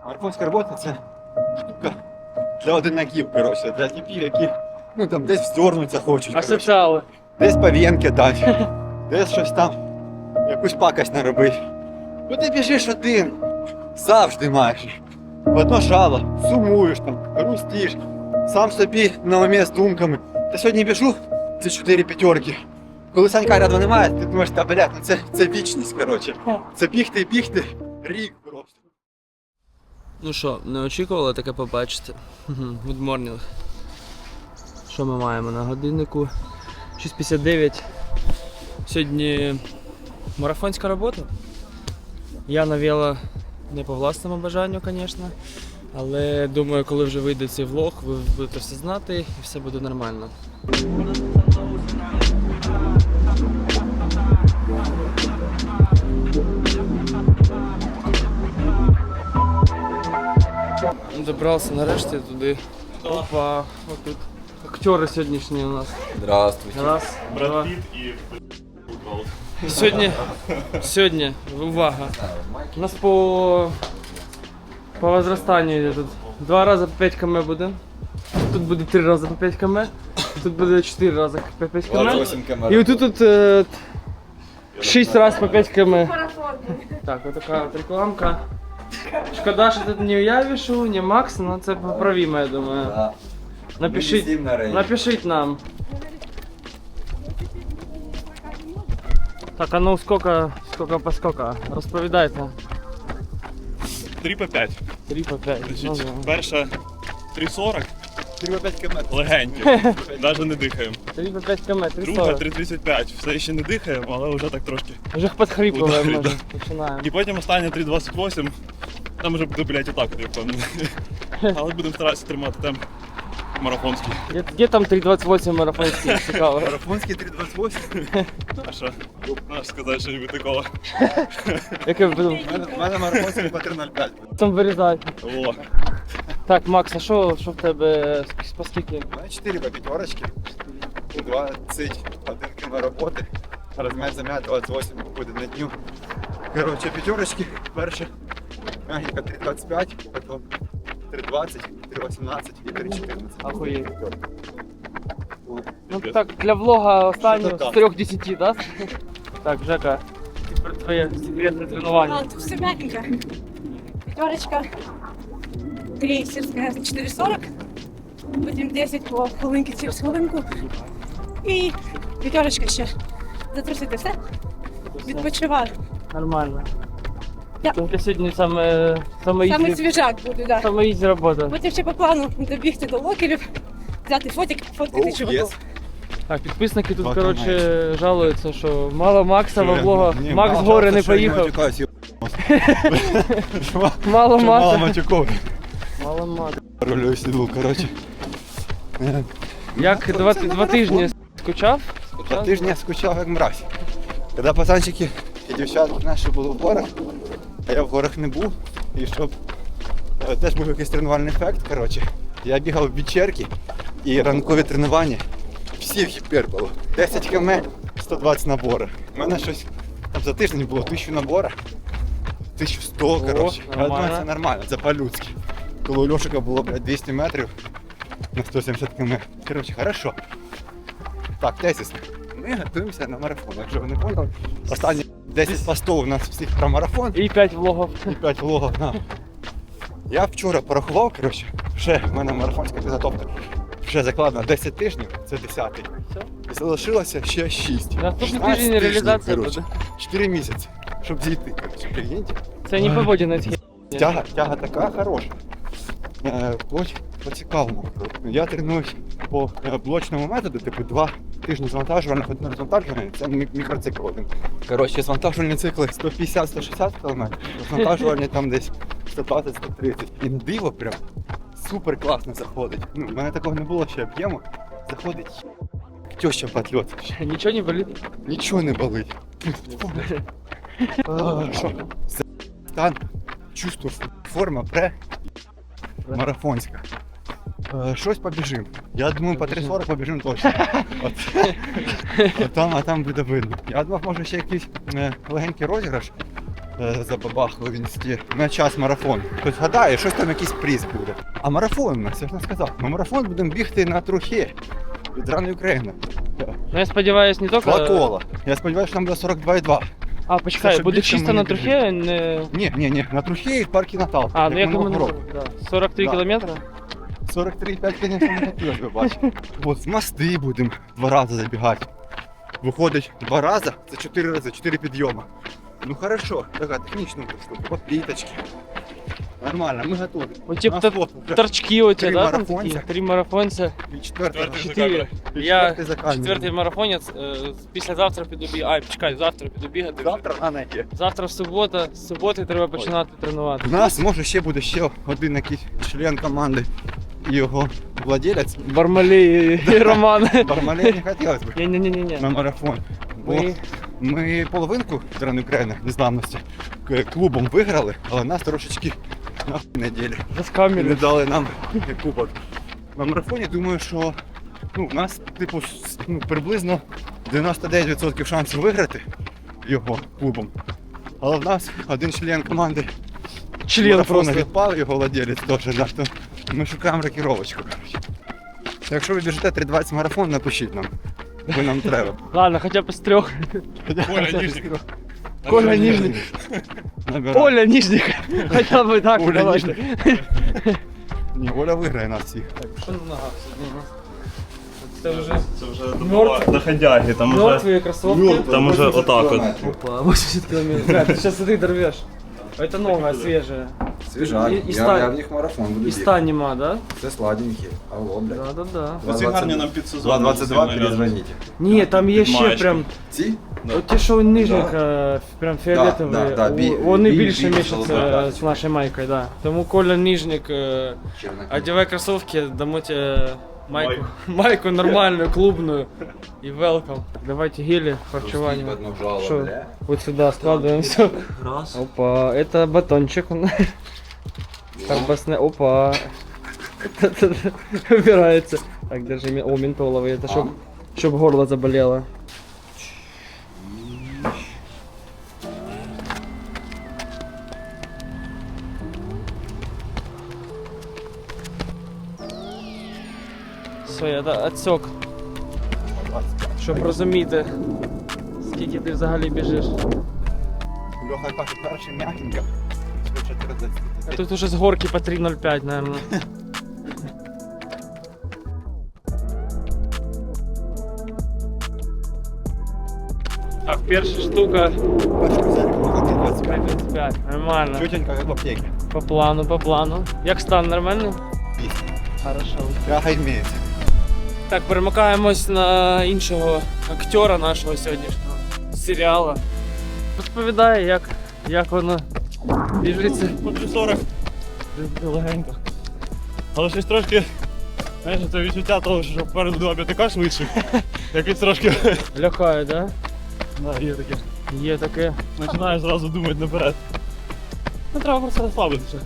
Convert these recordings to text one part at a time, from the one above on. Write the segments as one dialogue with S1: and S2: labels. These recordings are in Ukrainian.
S1: Марафонська робота це штука для одинаків, коротше, для типів, які там десь вздорнуться хочуть. коротше.
S2: Асоціали.
S1: Десь пав'єнки дати, десь щось там, якусь пакость наробити. Ну ти біжиш один, завжди маєш. В одно жало, сумуєш там, грустиш, сам собі на умі з думками. Та сьогодні біжу, це 4 п'ятерки. Коли Санька рядом немає, ти думаєш, та блядь, ну це вічність, коротше. Це бігти і бігти, рік просто.
S2: Ну що, не очікували таке побачити? Good morning. Що ми маємо на годиннику? 6:59. Сьогодні марафонська робота. Я на вело не по власному бажанню, звісно. Але думаю, коли вже вийде цей влог, ви будете все знати і все буде нормально. Добрався нарешті туди. Опа, отут. Актери сьогоднішні у нас.
S1: Здравствуйте.
S2: Раз, два.
S3: Брат Піт і футбол.
S2: Сьогодні, увага. У нас по возрастанню йде тут. 2 рази по 5 км буде. Тут буде 3 рази по 5 км. Тут буде 4 рази по 5 км. І отут 6 разів по 5 км. Так, отака от рекламка. Шкода, що тут не я вішу, не Макс, але це поправимо, я думаю.
S1: Да.
S2: Напишіть нам. Так, а ну сколько по сколько? Розповідайте.
S3: 3 по 5.
S2: 3 по 5.
S3: Значить, перша 3,40,
S1: 3-5 км.
S3: легенькі, навіть не дихаємо.
S2: 3 по 5 км,
S3: Друга
S2: 3,40.
S3: 3,35, все ще не дихаємо, але вже так трошки.
S2: Вже підхріпуємо,
S3: Ударить,
S2: може, починаємо.
S3: І потім остання 3,28, там вже буде, блядь, і так, я впевнений. Але будемо старатися тримати темп марафонський.
S2: Є там 3,28 марафонський, цікаво.
S1: Марафонський 3.28.
S3: А що? Можеш сказати, що нібудь такого.
S2: Яке буду
S1: У мене марафонський по 3.05.
S2: там вирізати.
S3: О,
S2: Так, Макс, а що в тебе по скільки?
S1: У мене 4 по п'ятерочки. 21 км роботи. Розмять зам'ять 28 буде на дню. Коротше, п'ятерочки. Перше мягенько 3.25, потім 3.20, 3.18 і 3.14.
S2: Ахуєть.
S1: О.
S2: Ну так, для влога останнього
S1: Що-то
S2: з
S1: так.
S2: 3:10, да? Так, Жека, тепер твоє секретне тренування.
S4: Тут все мягенько. Пятерочка. 3 сельская 4,40. Потім 10 по хвилинки через хвилинку. І п'ятерочка ще. Затрусити все. Відпочиваю.
S2: Нормально.
S4: Да.
S2: Тільки сьогодні саме
S4: Саме
S2: ізі,
S4: свіжак буде, так.
S2: саме ізі робота.
S4: Потім ще по плану добігти до локерів, взяти фотик, фоткати
S1: Ох,
S4: чуваків.
S1: єс.
S2: Так, підписники тут,
S1: Два
S2: коротше, жалуються, що мало Макса во влогах.
S1: Ні,
S2: Макс з
S1: мало
S2: гори
S1: жалко,
S2: не
S1: що я
S2: поїхав.
S1: матюкаюсь,
S2: Мало
S1: Мало
S2: Макса.
S1: матюков.
S2: Мало Макса.
S1: Рулюю сіду, коротше.
S2: Як два тижні скучав?
S1: Два тижні я скучав як мразь. Коли пацанчики і дівчатки наші були в горах, а я в горах не був, і щоб теж був якийсь тренувальний ефект, коротше, я бігав в вечірки і ранкові тренування всіх гіпер було. 10 км, 120 наборів. У мене щось там за тиждень було 1000 наборів, 1100, коротше. Я думаю,
S2: нормально.
S1: це нормально, це по-людськи. Коли у Льошика було, 200 метрів на 170 км. Коротше, хорошо. Так, тезисно. Ми готуємося на марафон, якщо ви не поняли. Останні 10 постів у нас всіх про марафон
S2: І 5 влогів.
S1: і 5 влогів на. Я вчора порахував, коротше, вже в мене марафонська підготовка. Вже закладено 10 тижнів, це 10-й.
S2: Все.
S1: І залишилося ще 6.
S2: Наступний
S1: 16
S2: тиждень
S1: тижнів,
S2: реалізація
S1: коротше.
S2: буде.
S1: 4 місяці, щоб зійти, коротше, прикиньте.
S2: Це не поводінець.
S1: Тяга така хороша. По цікавому. Я тренуюсь по блочному методу, типу 2 тижні звантажувальних, 1 розвантажувальний, це мікроцикл один. Коротше, звантажувальні цикли 150-160 км, розвантажувальні там десь 120-130. І диво прям супер класно заходить. Ну, в мене такого не було ще об'єму. Заходить теща потльот.
S2: Нічого не болить.
S1: Нічого не болить. Що? Стан, чувство, форма, марафонська. Щось побіжим. Я думаю, по 3.40 побіжим точно. А там буде видно. Я думав, може ще якийсь легенький розіграш забабахали в інсті. На час марафон. Хтось гадає, щось там якийсь приз буде. А марафон, я ж не сказав. Ми марафон будемо бігти на трухи від рани України.
S2: Ну я сподіваюсь, не тільки...
S1: 2 кола. Я сподіваюся, що там буде 42,2.
S2: А, почекай,
S1: Це,
S2: буде
S1: більше
S2: чисто
S1: ми
S2: на
S1: не
S2: трухі, не...
S1: Ні, на трухи і в паркі Натал.
S2: А, ну як
S1: минулого
S2: ми
S1: року.
S2: да. 43
S1: Да.
S2: кілометри?
S1: 43,5, звісно, не хотілося б бачити. От з мости будемо 2 рази забігати. Виходить 2 рази, це 4 рази, 4 підйоми. Ну хорошо, така технічна штука, по пліточки. Нормально, ми готові.
S2: Вот типа
S1: У нас вот вже
S2: торчки у тебя,
S1: 3
S2: да, там
S1: марафонца.
S2: такие? 3 марафонця.
S1: і четвертий.
S3: Четвертий.
S2: 4.
S1: І
S2: Я
S1: четвертий за камерою.
S2: четвертий марафонець, післязавтра піду бігати. Ай, почекай, завтра піду бігати.
S1: Завтра на неї.
S2: Завтра субота, з суботи треба починати тренувати.
S1: У нас може ще буде ще один якийсь член команди і його владелець.
S2: Бармалей і Роман.
S1: Бармалей не хотілося б
S2: Ні-ні-ні.
S1: на марафон. Бо
S2: Ми...
S1: ми половинку Трени України незламності клубом виграли, але нас трошечки на неділі. Не
S2: Заскамили.
S1: дали нам кубок. На марафоні думаю, що у нас типу приблизно 99% шансів виграти його клубом. Але в нас один член команди
S2: Член
S1: марафону
S2: просто.
S1: відпав, його владелець теж, да, то ми шукаємо рокіровочку. Коротше. Якщо ви біжите 3:20 марафон, напишіть нам. Бо нам треба.
S2: Ладно, хоча б з 3.
S3: Коля Ніжник.
S2: Коля Ніжник.
S1: Набирай.
S2: Оля Ніжник. Хоча б так,
S1: Оля
S2: давайте.
S1: Ніжник. Ні, Оля виграє нас всіх.
S2: Що на ногах сьогодні? Це вже
S3: Це вже
S2: Мертв-
S3: доходяги, там уже...
S2: мертві кросовки.
S3: Там уже отак от.
S2: Опа, 80 километров. Бля, ты сейчас ты дорвешь. Это нога свежая.
S5: Свіжак.
S2: І
S5: Я
S2: стань-
S5: в них марафон буду
S2: И
S5: бігти.
S2: ста нема, да?
S5: Це сладенькі. Алло, блядь.
S2: Да-да-да.
S3: Оці гарні нам під сезон.
S5: 2.22 перезвоніть.
S2: Ні, там є ще
S3: Маєчка.
S2: прям,
S5: Ці?
S2: от ті, що у нижніх, прям фіолетові,
S5: да,
S2: вони
S5: біль-
S2: більше
S5: біль-
S2: мішаться
S5: да.
S2: з нашою майкою, да. Тому Коля Нижник,
S5: Чернокий.
S2: одевай кроссовки, дамо тебе майку нормальную, клубную и welcome. Давайте гели, харчевание.
S5: Пустіть в одну жало,
S2: Что?
S5: бля.
S2: Вот сюда складываем все.
S3: Раз.
S2: Опа, это батончик. Колбасная. Опа. Убирается. Так, держи. О, ментоловый. Это чтоб горло заболело. Все, я отсек. Щоб розуміти, скільки ти взагалі біжиш.
S1: Льоха каже, перший м'якенько. Швидше 30.
S2: А тут уже з горки по 3.05, наверное. Так, перша штука
S1: Перший взяти, виходить 25.
S2: 3.35. Нормально.
S1: Чутенько, як в аптеці.
S2: По плану, по плану. Як стан нормальний?
S1: Пісня.
S2: Хорошо.
S1: Пряга імеється.
S2: Так, перемикаємось на іншого актера нашого сьогоднішнього серіалу. Розповідає, як воно біжиться.
S3: По 3.40. Легенько. Але щось трошки, знаєш, це відчуття того, що попереду 2.5 швидше. Якось трошки,
S2: Лякає, да?
S3: да, є таке.
S2: Є таке.
S3: Починаєш зразу думати наперед. Ну треба просто розслабитися.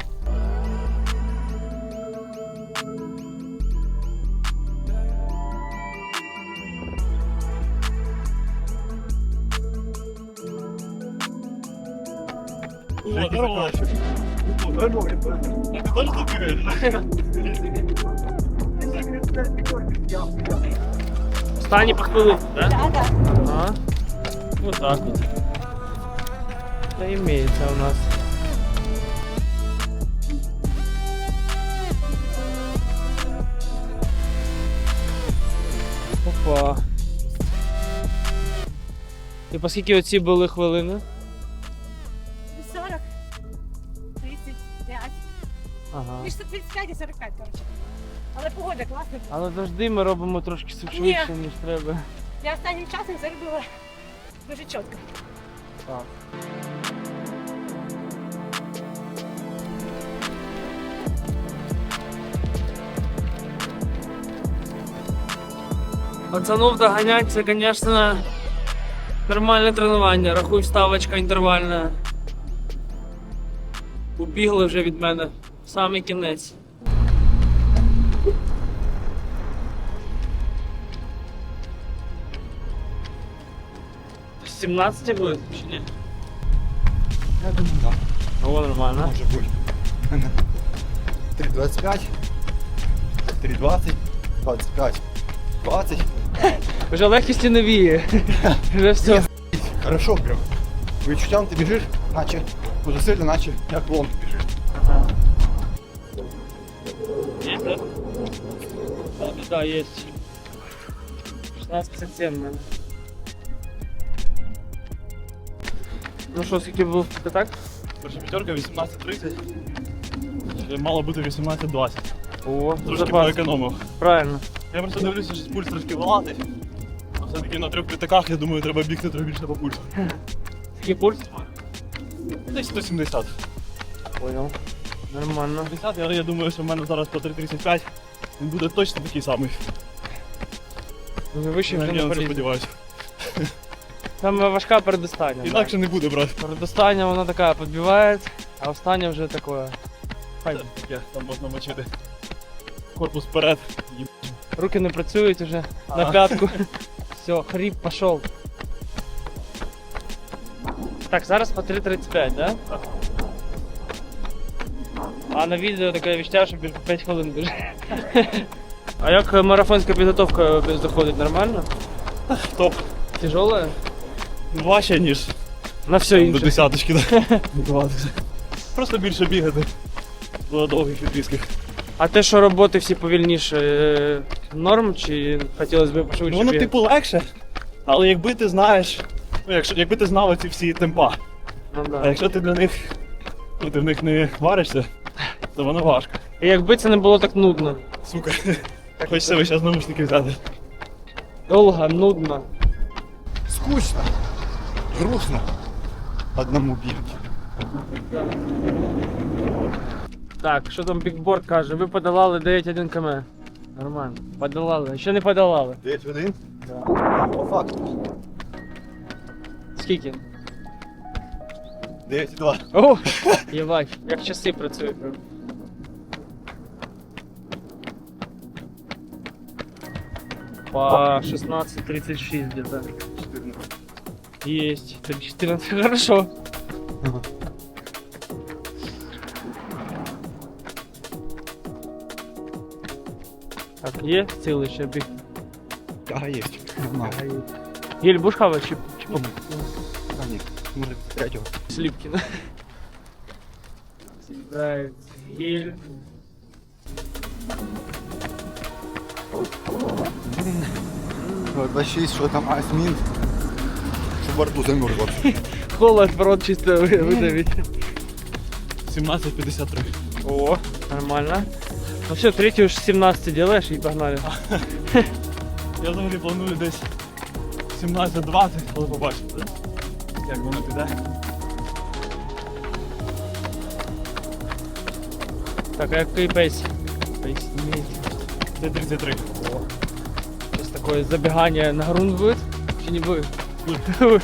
S3: О, здорово. Здорово. Ти теж тут бігаєш?
S2: Стані по хвилину, да?
S4: Да.
S2: Ага. Вот так вот. Это имеется у нас. Опа. І по скільки оці були хвилини?
S4: 40, 35.
S2: Ага.
S4: Між 35 і 45, коротше. Але погода класна.
S2: Але завжди ми робимо трошки швидше, ніж треба.
S4: Я останнім часом заробила дуже чітко.
S2: Так. Пацанов доганять, це, звісно, нормальне тренування. Рахуй, ставочка інтервальна. Убігли вже від мене. Самий кінець. З 17 буде чи ні?
S1: Я думаю, так.
S2: О, нормально.
S1: Може бути. 3,25, 3,20, 25, 20.
S2: Вже легкісті не віє. Вже все.
S1: Хорошо прям. Відчуттям ти біжиш, наче по зусиллю, наче як лом ти біжиш.
S2: Є, так? Так, є. 16,57 в мене. Ну що, скільки був? Ти так?
S3: Перша п'ятерка 18:30. Ще мало бути 18:20.
S2: О,
S3: Трошки
S2: запас.
S3: поекономив.
S2: Правильно.
S3: Я просто дивлюся, що пульс трошки валатий. А все-таки на 3 п'ятаках, я думаю, треба бігти трохи більше по пульсу.
S2: Скільки пульс?
S3: Десь 170.
S2: Понял. Нормально.
S3: 50, але я думаю, що в мене зараз по 3,35. Він буде точно такий самий.
S2: Вже вище вже
S3: Я
S2: не
S3: на це
S2: поліз.
S3: сподіваюся.
S2: Там важка передостання. да.
S3: Інакше не буде, брат.
S2: Передостання вона така підбиває, а остання вже таке. Хай.
S3: Таке, там можна мочити. Корпус вперед.
S2: Руки не працюють вже на
S3: Ага.
S2: п'ятку. Все, хрип пішов. Так, зараз по 3,35, да?
S3: Так.
S2: А на відео таке відчуття, що 5 хвилин біжить. А як марафонська підготовка заходить нормально?
S3: Топ.
S2: Тяжелая?
S3: Важче, ніж
S2: На все
S3: до
S2: інше.
S3: десяточки. Да. Готуватися. Просто більше бігати. До довгих відрізків.
S2: А те, що роботи всі повільніше, норм чи хотілося б пошвидше?
S3: Воно
S2: бігати?
S3: типу легше, але якби ти знаєш, ну якби ти знав ці всі темпа,
S2: Ну,
S3: а
S2: да.
S3: якщо ти для них, ну ти в них не варишся, то воно важко.
S2: І якби це не було так нудно.
S3: Сука. Хочеться весь час наушники взяти.
S2: Довго, нудно.
S1: Скучно, грустно одному бігати.
S2: Так, що там бікборд каже? Ви подолали 9,1 км. Нормально. Подолали. Ще не подолали.
S1: 9 годин? По факту.
S2: Скільки?
S1: 9,2.
S2: О! Єбать, як часи працюють. По 16:36 где-то.
S1: 14.
S2: Есть. 14. Хорошо. Так, є цілий ще біг.
S1: Ага, є. Нормально.
S2: Єль будеш хавати чи
S1: А, ні, може 3-го.
S2: Сліпки, да? Сідають. Гель.
S1: От 26, що там асмін. Щоб во рту замерзло.
S2: Холод в рот чисто видавить.
S3: 17:53.
S2: О, нормально. Ну все, третью уж 17 делаешь и погнали.
S3: Я взагалі планую десь 17:20, але побачимо, да? Як воно піде.
S2: Так, а який пейс? Пейс имеет.
S3: Це 33.
S2: Сейчас такое забегание на грунт будет? Чи не будет?
S3: Будет.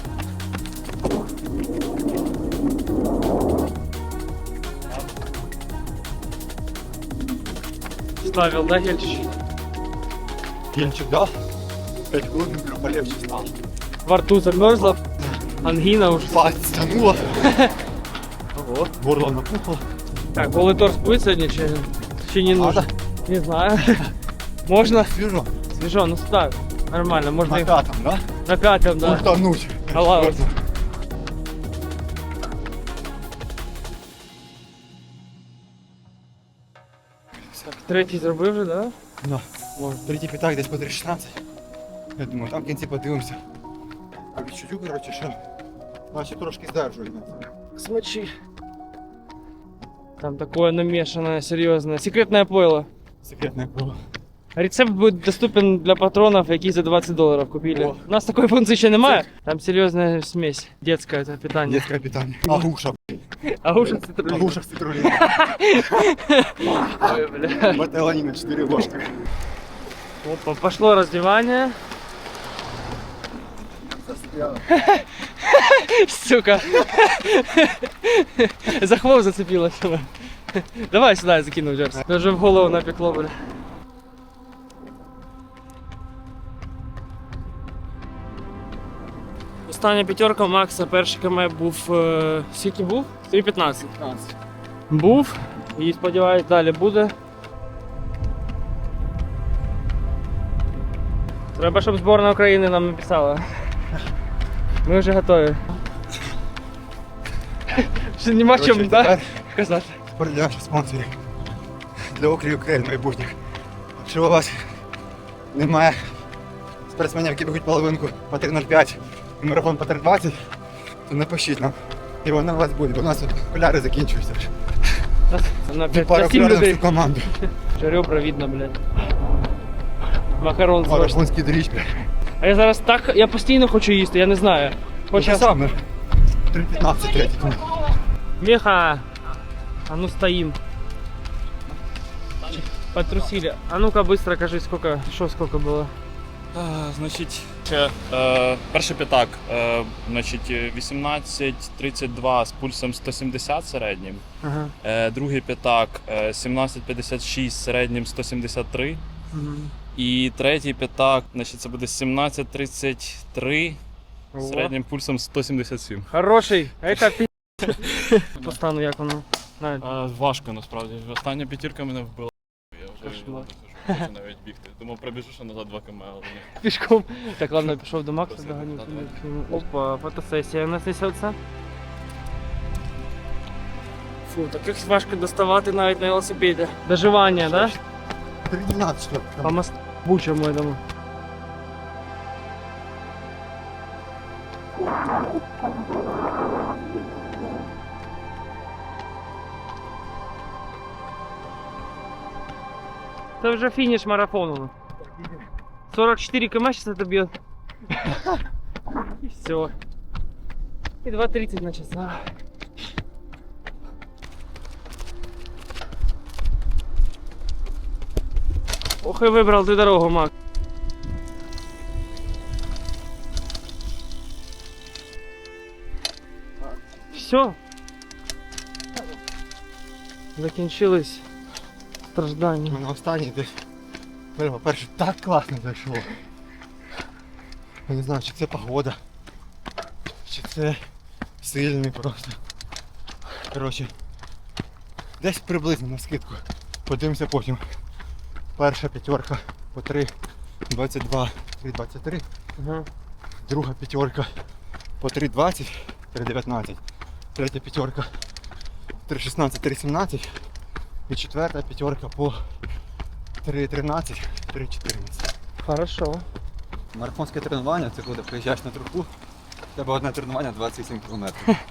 S2: Ставил, да, гельчик?
S1: Кінчик дав. 5 хвилин полегче стало.
S2: Во рту замерзла, ангина уже.
S1: Пальці стануло. Ого, горло напухло.
S2: Так, голый торс будет сегодня, чи не нужно? Не знаю. Можно?
S1: Свіжо.
S2: Свежо, ну ставь. Нормально, можно
S1: На
S2: их
S1: п'ятом, да?
S2: на пятом, да.
S1: Ультануть.
S2: Халава. Так, третій зробив вже, да?
S1: Да. Третій п'ятак десь по 3,16. Я думаю, там в кінці подивимося. По відчуттю, коротше, що наче трошки здержує.
S2: Смочи. Там такое намешанное, серьезное. Секретное пойло.
S1: Секретне було.
S2: Рецепт будет доступен для патронов, які за $20 купили.
S1: О.
S2: У нас такой функции ще немає. Там серьезная смесь. Детское это питание.
S1: Детське питання. Агуша.
S2: Агуша цитрулина.
S1: Агуша в цитрулі.
S2: Ой, бля.
S1: Металаніна 4 ложки.
S2: Опа, пошло раздевание. Сука. За хвост зацепилась. Давай сюда я закину Джерс. Даже в голову напекло, бля. остання п'ятерка Макса. Перший КМ був. Скільки був? 3.15. Був. І сподіваюсь, далі буде. Треба, щоб збірна України нам написала. Ми вже готові. Ще нема
S1: Коротше,
S2: чому, так?
S1: тепер
S2: Казати.
S1: спорт для наших спонсорів. Для окрів України майбутніх. Якщо у вас немає спортсменів, які бігуть половинку по 3.05 і марафон по 3.20, то напишіть нам. І воно у вас буде, бо у нас тут окуляри закінчуються.
S2: На
S1: Пара
S2: 7
S1: окулярів
S2: людей.
S1: всю команду.
S2: Ребра видно, блядь. Макарон зможеш.
S1: Марафонський доріжки.
S2: А я зараз так, я постійно хочу їсти, я не знаю.
S1: Хоча саме. 3.15 третій.
S2: Меха! А ну стоим. Потрусили. А ну-ка быстро кажи, сколько было.
S3: Значить, перший п'ятак, значить, 18.32 з пульсом 170 середнім.
S2: Ага.
S3: Другий п'ятак 17.56 середнім 173. І третій п'ятак, значить, це буде 17.33 середнім пульсом 177.
S2: Хороший, это пи***. По стану як воно? Навіть.
S3: Важко насправді. Остання п'ятірка мене вбила. Я вже
S2: Кошмар.
S3: не хочу навіть бігти. Думав, пробіжу ще назад 2 км, але ні.
S2: Пішком. Так, ладно, пішов до Макса,
S3: Спасибо,
S2: доганю.
S3: да,
S2: Опа, фотосесія у нас несеться. Фу, таких важко доставати навіть на велосипеді. Доживання, да?
S1: 3.12 що?
S2: По мосту бучому этому. Это уже финиш марафону. 44 км сейчас это бьет. И все. И 2.30 на часа. Ох и выбрал ты дорогу, Мак. Все. Закінчились страждання.
S1: На останній десь. По-перше, так класно зайшло. Я не знаю, чи це погода, чи це сильний просто. Коротше, десь приблизно на скидку. Подивимося потім. Перша п'ятерка по 3.22, 3.23.
S2: Ага.
S1: Друга п'ятерка по 3.20, 3.19. Третя п'ятерка 3.16, 3.17. І четверта п'ятерка по 3.13, 3.14.
S2: Хорошо.
S1: Марафонське тренування це коли приїжджаєш на труху, в тебе одне тренування 27 км.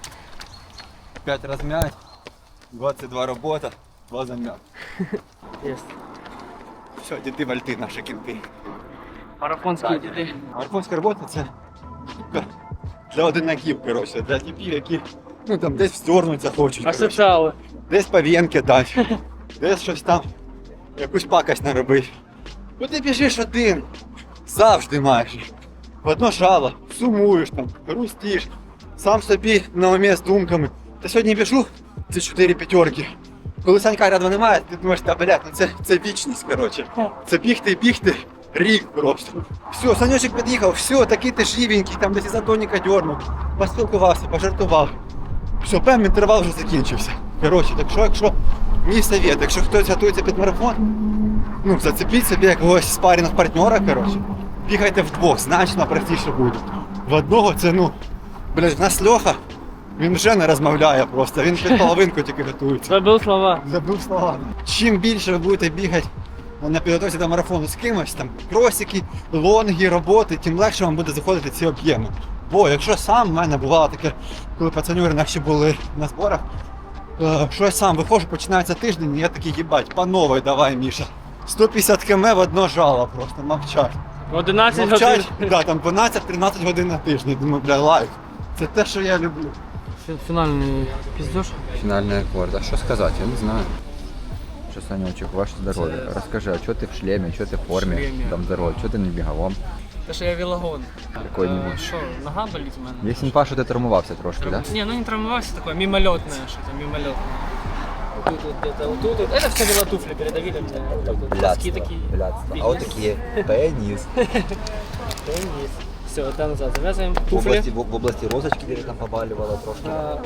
S1: 5 розм'ять, 22 робота, 2 зам'ят.
S2: Есть.
S1: Все, діти вальти наші кінти.
S2: Марафонські діти.
S1: Марафонська робота це для одинаків, коротше, для типів, які ну, там, десь вздорнуться хочуть. коротше.
S2: Асоціали.
S1: Десь пав'єнки дати, десь щось там, якусь пакость наробити. Бо ти біжиш один, завжди майже. В одно жало, сумуєш там, грустиш, сам собі на умі з думками. Та сьогодні біжу, це 4 п'ятерки. Коли Санька рядом немає, ти думаєш, та блядь, ну це вічність, коротше. Це бігти, рік просто. Все, Санечек під'їхав, все, такий ти живенький, там десь ізотоніка дьорнув, поспілкувався, пожартував. Все, певний інтервал вже закінчився. Коротше, так що, якщо мій совет, якщо хтось готується під марафон, ну, зацепіть собі якогось спарінг партнера, коротше. Бігайте вдвох, значно простіше буде. В одного це, ну, блядь, в нас Льоха, він вже не розмовляє просто, він під половинку тільки готується.
S2: Забыл слова.
S1: Забув слова. Чим більше ви будете бігати на підготовці до марафону з кимось, там, кросики, лонги, роботи, тим легше вам буде заходити ці об'єми. Бо якщо сам, в мене бувало таке, коли пацанюри наші були на зборах, що я сам виходжу, починається тиждень, і я такий, їбать, по новій давай, Міша. 150 км в одно жало просто, мовчать.
S2: 11
S1: Мовчать,
S2: годин.
S1: да, там 12-13 годин на тиждень. Думаю, бля, лайк. Це те, що я люблю.
S2: Фінальний піздеж.
S5: Финальный аккорд. А что сказать? Я не знаю. Что, Санечек, ваше здоровье. Расскажи, а что ты в шлеме, что ты в форме?
S2: шлеме.
S5: Там здоровье, что ты не беговом?
S2: Те, що я велогон.
S5: Какой-нибудь.
S2: Що, нога болить у мене?
S5: Есть инфа, что ты травмовался трошки, да?
S2: Не, ну не травмовался, такое мимолетное, что-то мимолетное. Вот тут вот где-то, вот тут вот. Это все велотуфли передавили мне. Вот тут вот. Носки такие.
S5: блядство. А вот такие. Пенис.
S2: Теннис. Все, это назад завязываем.
S5: В
S2: Туфли.
S5: области, в области розочки где-то там побаливало трошки.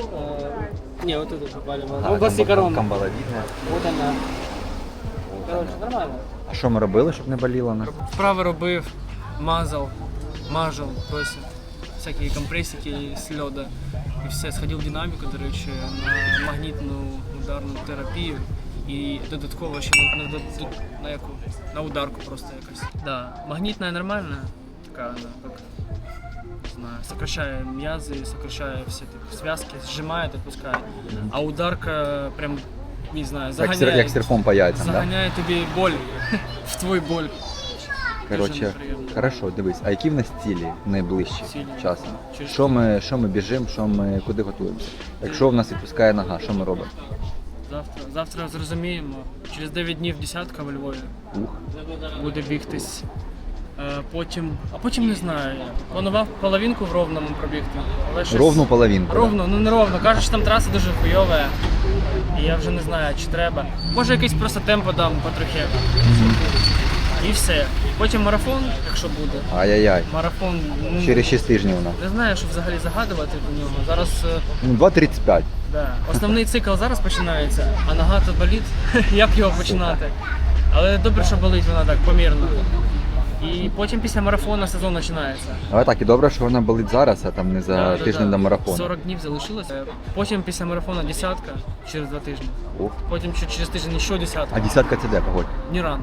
S2: Не, вот это попали.
S5: А,
S2: В области короны.
S5: камбаловидне.
S2: Вот она. Короче, нормально.
S5: А що ми робили, щоб не боліло нас?
S2: Вправи робив, мажав, тобто всякі компресики з льода. І все, сходив в динаміку, до речі, на магнітну ударну терапію. І додатково ще на ударку просто якось. Да, магнітна нормальна, така вона, як, не знаю, сокращає м'язи, сокращає всі такі зв'язки, зжимає, отпускає. А ударка прям, не знаю, заганяє.
S5: Як серфом по яйцям, так? Да?
S2: Заганяє тобі боль в твій боль.
S5: Коротше,
S2: неприємно.
S5: хорошо, дивись, а які в нас цілі найближчі
S2: Цілі.
S5: часом?
S2: Через
S5: Що ми біжимо, куди готуємося? Якщо в нас відпускає нога, що ми робимо?
S2: Завтра зрозуміємо. Через 9 днів десятка во Львові
S5: Ух,
S2: буде бігтись. Потім не знаю. Планував половинку в Ровному пробігти. Але щось...
S5: ровну половинку. да?
S2: Ровно, ну не ровно. Кажуть, що там траса дуже хуйова. І я вже не знаю, чи треба. Може якийсь просто темпо дам потрохи. І все. Потім марафон, якщо буде.
S5: Ай-яй-яй.
S2: Марафон. Ну,
S5: Через 6 тижнів у нас.
S2: не знаю, що взагалі загадувати про нього. Зараз.
S5: Ну, 2.35.
S2: Да. Основний цикл зараз починається, а нога то болить, як його починати. Але добре, що болить вона так помірно. І потім після марафону сезон починається.
S5: Але так, і добре, що вона болить зараз, а там не за тиждень до марафону.
S2: 40 днів залишилося. Потім після марафону десятка через 2 тижні.
S5: Ух.
S2: Потім через тиждень ще десятка.
S5: А десятка це де, погодь?
S2: Ніран.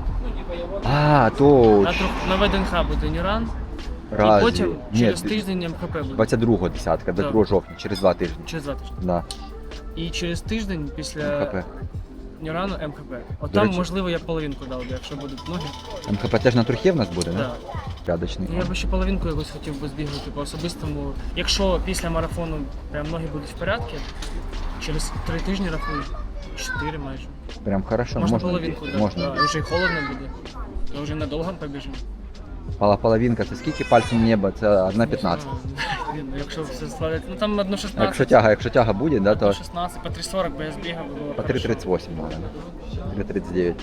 S5: А, то
S2: На ВДНХ буде Ніран.
S5: Разве?
S2: І потім
S5: Ні,
S2: через тиждень МХП буде.
S5: 22-го десятка, до
S2: Так.
S5: 2 жовтня, через 2 тижні.
S2: Через 2 тижні.
S5: Да.
S2: І через тиждень після
S5: МХП.
S2: Нірану МХП. От
S5: До
S2: там,
S5: речі.
S2: можливо, я половинку дав, якщо будуть ноги.
S5: МХП теж на трухі в нас буде,
S2: Да.
S5: не? Рядочний.
S2: Ну, я би ще половинку якось хотів би збігати по особистому. Якщо після марафону прям ноги будуть в порядку, через 3 тижні рахую, 4 майже.
S5: Прям хорошо,
S2: Можна
S5: можна.
S2: половинку, да.
S5: Можна.
S2: Да. І вже й холодно буде. То вже надовго побіжимо.
S5: Половинка, це скільки пальцем неба? Це 1,15.
S2: Ну, якщо все складати, ну там 1,16.
S5: А якщо тяга буде, да, то
S2: 1,16, по 3,40 би я збігав, би було
S5: по
S2: хорошо.
S5: 3,38 можна. 3,39.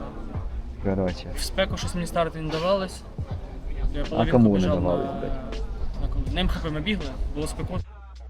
S5: Короче.
S2: В спеку щось мені старти не давалось. Я
S5: А
S2: половинку
S5: кому не
S2: біжав
S5: давалось,
S2: на...
S5: блядь?
S2: На МХП ми бігли, було спекотно.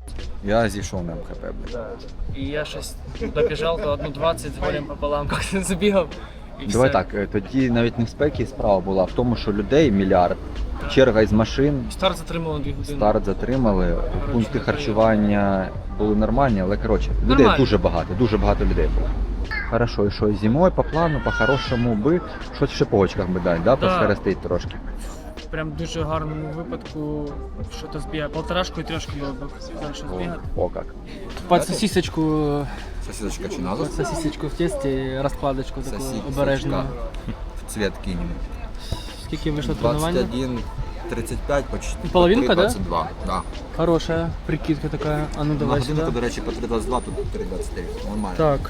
S5: Я зійшов на МХП, блядь.
S2: І я щось добіжав до 1,20 з горем пополам, як забігав. І
S5: Давай
S2: все.
S5: так, тоді навіть не в спекі справа була, в тому, що людей мільярд, черга із машин,
S2: Старт затримало 2 години.
S5: старт затримали, пункти харчування були нормальні, але коротше, людей
S2: Нормально.
S5: дуже багато людей було. Хорошо, і що, зимою по плану, по-хорошому би, щось в шиповочках би дати, да,
S2: Да.
S5: посхерестить трошки.
S2: Прям в дуже гарному випадку, що то збігає. Полторашку і трьошку було б хорошо збігати.
S5: О як.
S2: Під сосисочку,
S5: Сосисочка чи
S2: під сосисочку в тесті, розкладочку таку обережну.
S5: Цвет кинем.
S2: Скільки вийшло тренування?
S5: 21.35 почти.
S2: Половинка, да?
S5: 3.22, да.
S2: Хорошая прикидка така. А ну давай сюди.
S5: до речі, по 3.22, тут 3.29. Нормально.
S2: Так.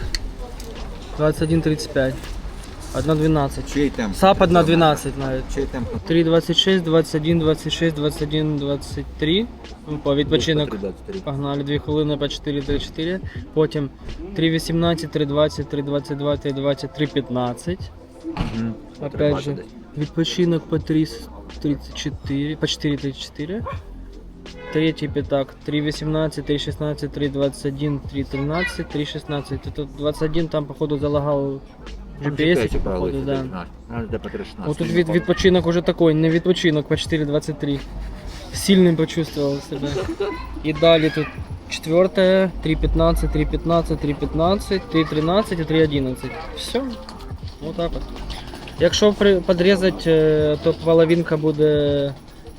S2: 21.35. 1.12.
S5: Чий темп?
S2: САП 1.12 навіть.
S5: Чий темп?
S2: 3.26, 21, 26, 21, 23. Ну, по відпочинок.
S5: 3.23.
S2: Погнали 2 хвилини по 4.34. Потім 3.18, 3.20, 3.22, 3.20, 3.15. Опять же, відпочинок по 3.34, по 4.34. Третій п'ятак 3.18, 3.16, 3.21, 3.13, 3.16. Тут 21 там походу залагав GPS, походу, да. Вот тут відпочинок уже такой, не відпочинок по 4.23. Сильним почувствовал себе. І далі тут 4, 3.15, 3.15, 3.15, 3.13 і 3.11. Все. Вот так от. Якщо подрізати, то половинка буде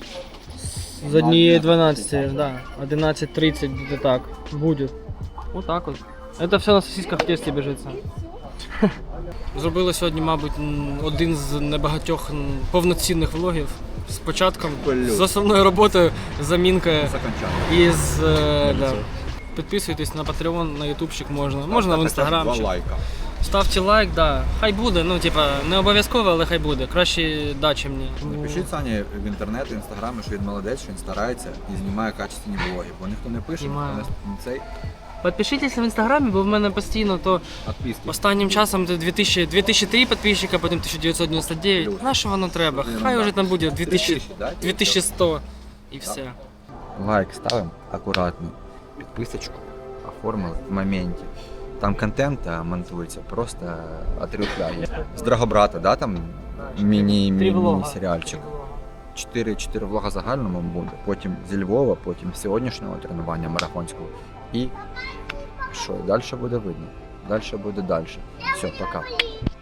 S2: з 1.12, да, 11.30 буде так. Буде. Вот так от. Это все на сосисках в тесті біжиться. Зробили сьогодні, мабуть, один з небагатьох повноцінних влогів з початком, з основною роботою, замінкою і з... да. Підписуйтесь на Patreon, на ютубчик можна, можна в інстаграм. Ставте лайк, да. Хай буде, ну типа не обов'язково, але хай буде. Краще да, чим ні.
S5: Напишіть Сані в інтернет, в інстаграмі, що він молодець, що він старається і знімає качественні блоги. Бо ніхто не пише,
S2: Знімаю.
S5: ніхто не цей.
S2: Підпишіться в інстаграмі, бо в мене постійно то
S5: Отписки.
S2: останнім часом 2003 підписчика, потім 1999. На що воно треба? Хай вже там буде 2000, 2100. І все.
S5: Лайк ставимо акуратно. Підписочку оформили в моменті. Там контент монтується просто отрюхляє. З Драгобрата, да, там міні-серіальчик. 4 влога загальному буде, потім зі Львова, потім з сьогоднішнього тренування марафонського. І що, далі буде видно. Далі буде далі. Все, пока.